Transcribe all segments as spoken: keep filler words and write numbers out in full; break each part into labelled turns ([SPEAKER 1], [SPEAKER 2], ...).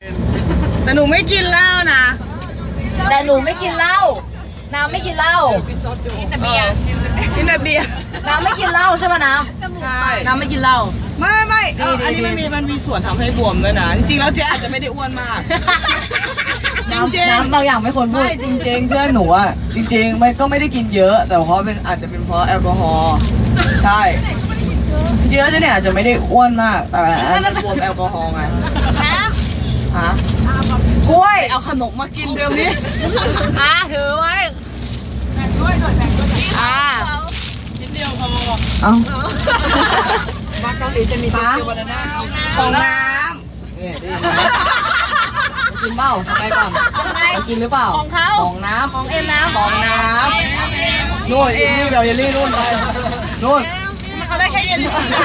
[SPEAKER 1] แต่หนูไม่กินเหล้านะ
[SPEAKER 2] แต่หนูไม่กินเหล้าน้ำไม่กินเหล้ากินแต่เบียร์
[SPEAKER 1] กินแต่เบียร์
[SPEAKER 2] น้ำไม่กินเหล้าใช่ไหมน้ำใช่น้ำไม่กินเหล้า
[SPEAKER 1] ไม่ไม่เอออันนี้มันมีมันมีส่วนทำให้บวมด้วยนะจริงๆแล้วเจ๊อาจจะไม่ได้อ้วนมากจริงๆ
[SPEAKER 2] น้ำบางอย่างไม่ควรพูด
[SPEAKER 1] จริงๆเพื่อนหนูอ่ะจริงๆไม่ก็ไม่ได้กินเยอะแต่เพราะเป็นอาจจะเป็นเพราะแอลกอฮอล์ใช่จริงๆแล้วเจ๊เนี่ยอาจจะไม่ได้อ้วนมากแต่อาจจะบวมแอลกอฮอล์ไง
[SPEAKER 2] น้
[SPEAKER 1] ำฮะกล้วยเอาขนมมากินเดี๋ยวนี้
[SPEAKER 2] อ่าถือไว้
[SPEAKER 1] แบ่งด้วยหน่อยแบ่งด้วย
[SPEAKER 2] อ่า
[SPEAKER 1] ชิ้นเดียวพอเอามาเกาหลีจะมีเกี๊ยวบานาน่าของน้ำนี่ดีกินเปล่าทำไงก่อนกินหรือเปล่า
[SPEAKER 2] ของเขา
[SPEAKER 1] ของน้ำ
[SPEAKER 2] ของเอ็มน้ำ
[SPEAKER 1] ของน้ำนู่นเยลลี่แบบเยลลี่นู่นไปนู่น
[SPEAKER 2] เขาได้แค่เย็น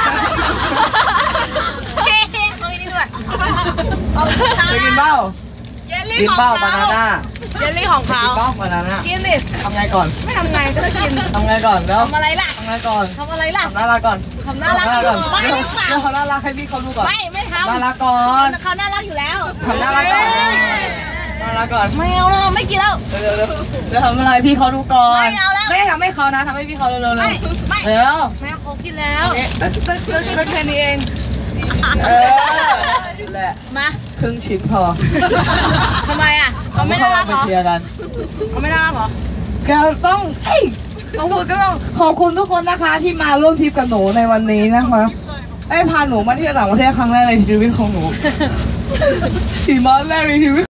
[SPEAKER 2] เขาอีนี่ด้วย
[SPEAKER 1] จะกินเปล่ากินเปล่าบานาน่า
[SPEAKER 2] เยลลี่ของเขา
[SPEAKER 1] กินเปล่าบานาน่า
[SPEAKER 2] กินดิ
[SPEAKER 1] ทำไงก่อน
[SPEAKER 2] ไม่ทำไงก็กิน
[SPEAKER 1] ทำไงก่อนแล้ว
[SPEAKER 2] ทำอะไรล่ะ
[SPEAKER 1] ทำไงก่อน
[SPEAKER 2] ทำอะไรล่ะ
[SPEAKER 1] ทำน่ารักก่อน
[SPEAKER 2] ทำน่ารัก
[SPEAKER 1] ก่อนไม่เดี๋ยวเขาน่ารักให้พี่เขาดูก่อน
[SPEAKER 2] ไม่ไม่ทำ
[SPEAKER 1] น่ารักก่อน
[SPEAKER 2] เขาน่ารักอยู่แล้ว
[SPEAKER 1] ทำน่ารักก่อนน่ารักก่อน
[SPEAKER 2] ไม่เอาแล้วไม่กินแล้ว
[SPEAKER 1] เดี๋ยวเดี๋ยวเดี๋ยวทำอะไรพี่เขาดูก่อน
[SPEAKER 2] ไม่เอาแล้ว
[SPEAKER 1] ไม่ทำให้เขานะทำให้พี่เขาเร็วๆเลย
[SPEAKER 2] ไม่
[SPEAKER 1] เดี๋ยว
[SPEAKER 2] แม่เขากินแล้ว
[SPEAKER 1] ตึ๊กตึ๊กตึ๊กตึ๊กแค่นี้เองเออแหละ
[SPEAKER 2] มา
[SPEAKER 1] ครึ่งชิ้นพอ
[SPEAKER 2] ทำไมอ่ะเขาไม่น่ารักเหรอเขาไม่น่ารักเหรอ
[SPEAKER 1] ก็ต้องเอ้ยขอบคุณก็ต้องขอบคุณทุกคนนะคะที่มาร่วมทริปกับหนูในวันนี้นะคะไอ้พาหนูมาที่ต่างประเทศครั้งแรกในชีวิตของหนูสี่วันแรกในชีวิต